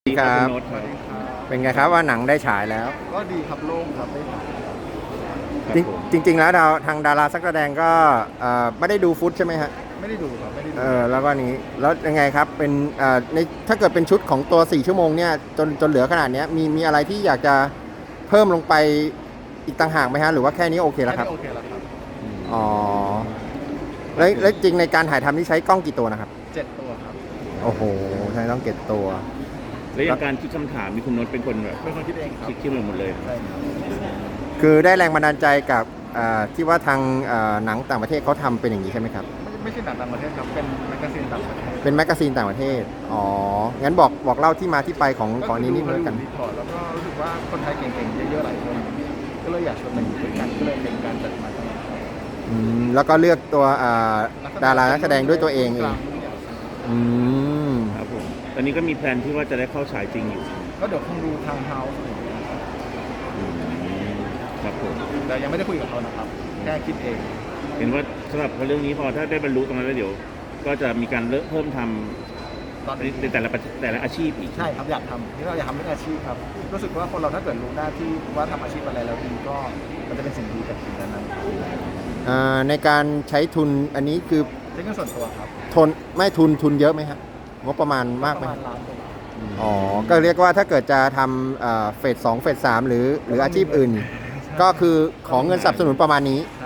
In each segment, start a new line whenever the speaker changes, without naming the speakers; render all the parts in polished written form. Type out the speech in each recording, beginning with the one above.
สวัสดีครับ
โน้ตครับ
เป็นไงครับว่าหนังได้ฉายแล้ว
ก็ดีครับโล่งครับได้ถ่าย
ครับผม
จริงๆแล้วทางดาราสักแสดงก็ไม่ได้ดูฟุตใช่ไหมฮะ
ไม่ได้ดูครับไม่ได้ดู
แล้วก็นี้แล้วยังไงครับเป็นในถ้าเกิดเป็นชุดของตัว4ชั่วโมงเนี่ยจนเหลือขนาดเนี้ยมีอะไรที่อยากจะเพิ่มลงไปอีกต่างหากไหมฮะหรือว่าแค่นี้โอเคแล้วครับ
โอเคแล้วครับ
อ๋อแล้วจริงในการถ่ายทำนี่ใช้กล้องกี่ตัวนะครับ
7 ตัวครับ
โอ้โหใช้ต้องเก็บตัว
แล้วอย่างการคิดคำถามมีคุณโน้ตเป็นคนแบบ
เป็นคนคิดเองครับ
คิดหมดเลย
ใช่ครับ
คือได้แรงบันดาลใจกับที่ว่าทางหนังต่างประเทศเขาทำเป็นอย่างนี้ใช่ไหมครับ
ไม่ใช่หนังต่างประเทศครับเป็นแมกกาซีนต่างประเทศ
เป็นแมกกาซีนต่างประเทศ อ๋อ งั้นบอกเล่าที่มาที่ไปของนี้นิดนึงกัน
รีพอร์ตแล้วก็รู้สึกว่าคนไทยเก่งๆเยอะๆหลายคนก็เลยอยากชวนมาอยู่ด้วยกันก็เลยเป็นการจัดมาทั้งหมด
แล้วก็เลือกตัวดารานักแสดงด้วยตัวเอง อืม
ครับผม ตอนนี้ก็มีแพลนที่ว่าจะได้เข้าฉายจริงอยู่
ก็เดี๋ยวคงดูทางเฮาส์อะไรอย่างเงี้ยครับ
ครับผม
แต่ยังไม่ได้คุยกับเขานะครับแค่คิดเอง
เห็นว่าสำหรับเรื่องนี้พอถ้าได้บรรลุตรงนั้นแล้วเดี๋ยว ก็จะมีการเพิ่มท
ตอน
ำ
นี้
ในแต่ละอาชีพอีก
ใช่ครับอยากทำที่เราอยากทำเรื่องอาชีพครับรู้สึกว่าคนเราถ้าเกิดรู้หน้าที่ว่าทำอาชีพอะไรแล้วดีก็มันจะเป็นสิ่งดีกับสิ่งนั้น
ในการใช้ทุนอันนี้คือ
ใช้เงินส่วนตัวครับ
ไม่ทุนเยอะไหมฮะงบประมาณมาก
ป
ไหม
ระมาณล้านกว่าบาท
อ๋อ ก็เรียกว่าถ้าเกิดจะทำเฟส2เฟส3หรืออาชีพอื่น ก็คือของเงินสนับสนุนประมาณนี้
ใช่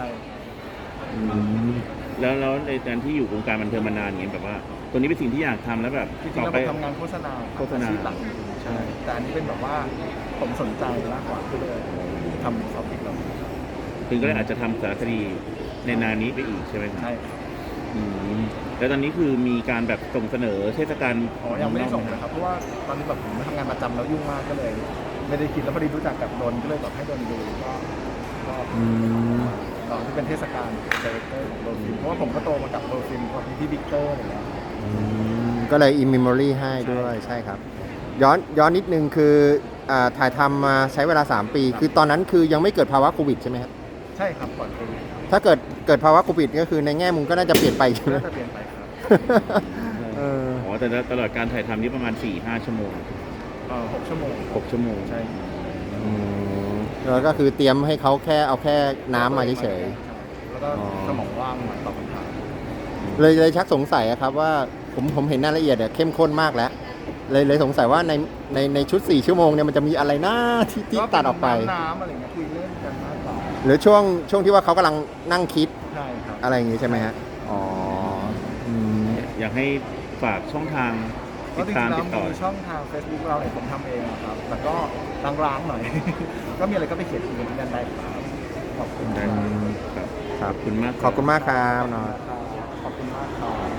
แล้วในการที่อยู่วงการบันเทิงมานานอย่างเงี้ยแบบว่า ตัวนี้เป็นสิ่งที่อยากทำแล้วแบบ
จริงๆ
ต่อ
แล้ว
ไป
ผมทำงานโฆษณา
โฆษณา
อาชีพหลักจริงๆใช่แต่อันนี้เป็นแบบว่าผมสนใจมากกว่าก็เลยทำซอฟต์พิกเรา
ถึงก็เลยอาจจะทำสารคดีในนานนี้ไปอีกใช่ไหมครับ
ใช่ครับ
อืมแล้วตอนนี้คือมีการแบบส่งเสนอเทศกาล
อ๋อยังไม่ได้ส่งนะครับเพราะว่าตอนนี้แบบผมทำงานประจำแล้วยุ่งมากก็เลย ไม่ได้คิดแล้วพอดีรู้จักกับโดนก็เลยแบบให้โดนดูก็
อืม
ตอนที่เป็นเทศกาลเซเลเตอร์ของโดนฟิล์มเพราะว่าผมก็โตมากับโดนฟิล์มกับพี่บิ๊กเตอร์อะไรอย่างเงี้ย
ก็เลย in memory ให้ด้วยใช่ครับ ย้อนนิดนึงคือถ่ายทำมาใช้เวลา 3 ปี คือตอนนั้นคือยังไม่เกิดภาวะโควิดใช่ไหมครับ
ใช่ครับก่อนโควิด
ถ้าเกิดภาวะโควิดก็คือในแง่มุมก็น่าจะเปลี่ยนไปใช่ไหม
น่าจะเปลี่ยนไปครับ
เออ
อ๋อแต่ตลอดการถ่ายทำนี่ประมาณ 4-5 ชั่วโมง
6 ชั่วโมง
6 ชั่วโมง
ใช่
แล้วก็คือเตรียมให้เขาเอาแค่น้ำมาเฉย
แล้วก็
อ๋อ
สมองว่างมาตอบคำถาม
ๆเลยชักสงสัยอะครับว่าผมเห็นรายละเอียดเข้มข้นมากแล้วเลยสงสัยว่าในชุด4ชั่วโมงเนี่ยมันจะมีอะไรหน้าที่ตัดออกไป
น้ำอะไรเงี้ยคุยเล่นกันมากกว่า
หรือช่วงที่ว่าเขากำลังนั่งคิด
ใช่ครับ
อะไรอย่างงี้ใช่ไหมฮะอ๋ออืม
อยากให้ฝากช่องทาง
ก็
ติด
จริ
ตาม
งๆแล้
ติ
ว
ดต่อ
มีช่องทาง Facebook เราเนี่ยผมทำเองอะครับแต่ก็ร้างๆหน่อย ก็มีอะไรก็ไปเขียนคุยกันที่นั่นได้ครับขอบคุณ
ได้
ครับ
ครับ
ครับ
ขอบคุณมาก
ขอบคุณมากครับนอน
ขอบคุณมากครับ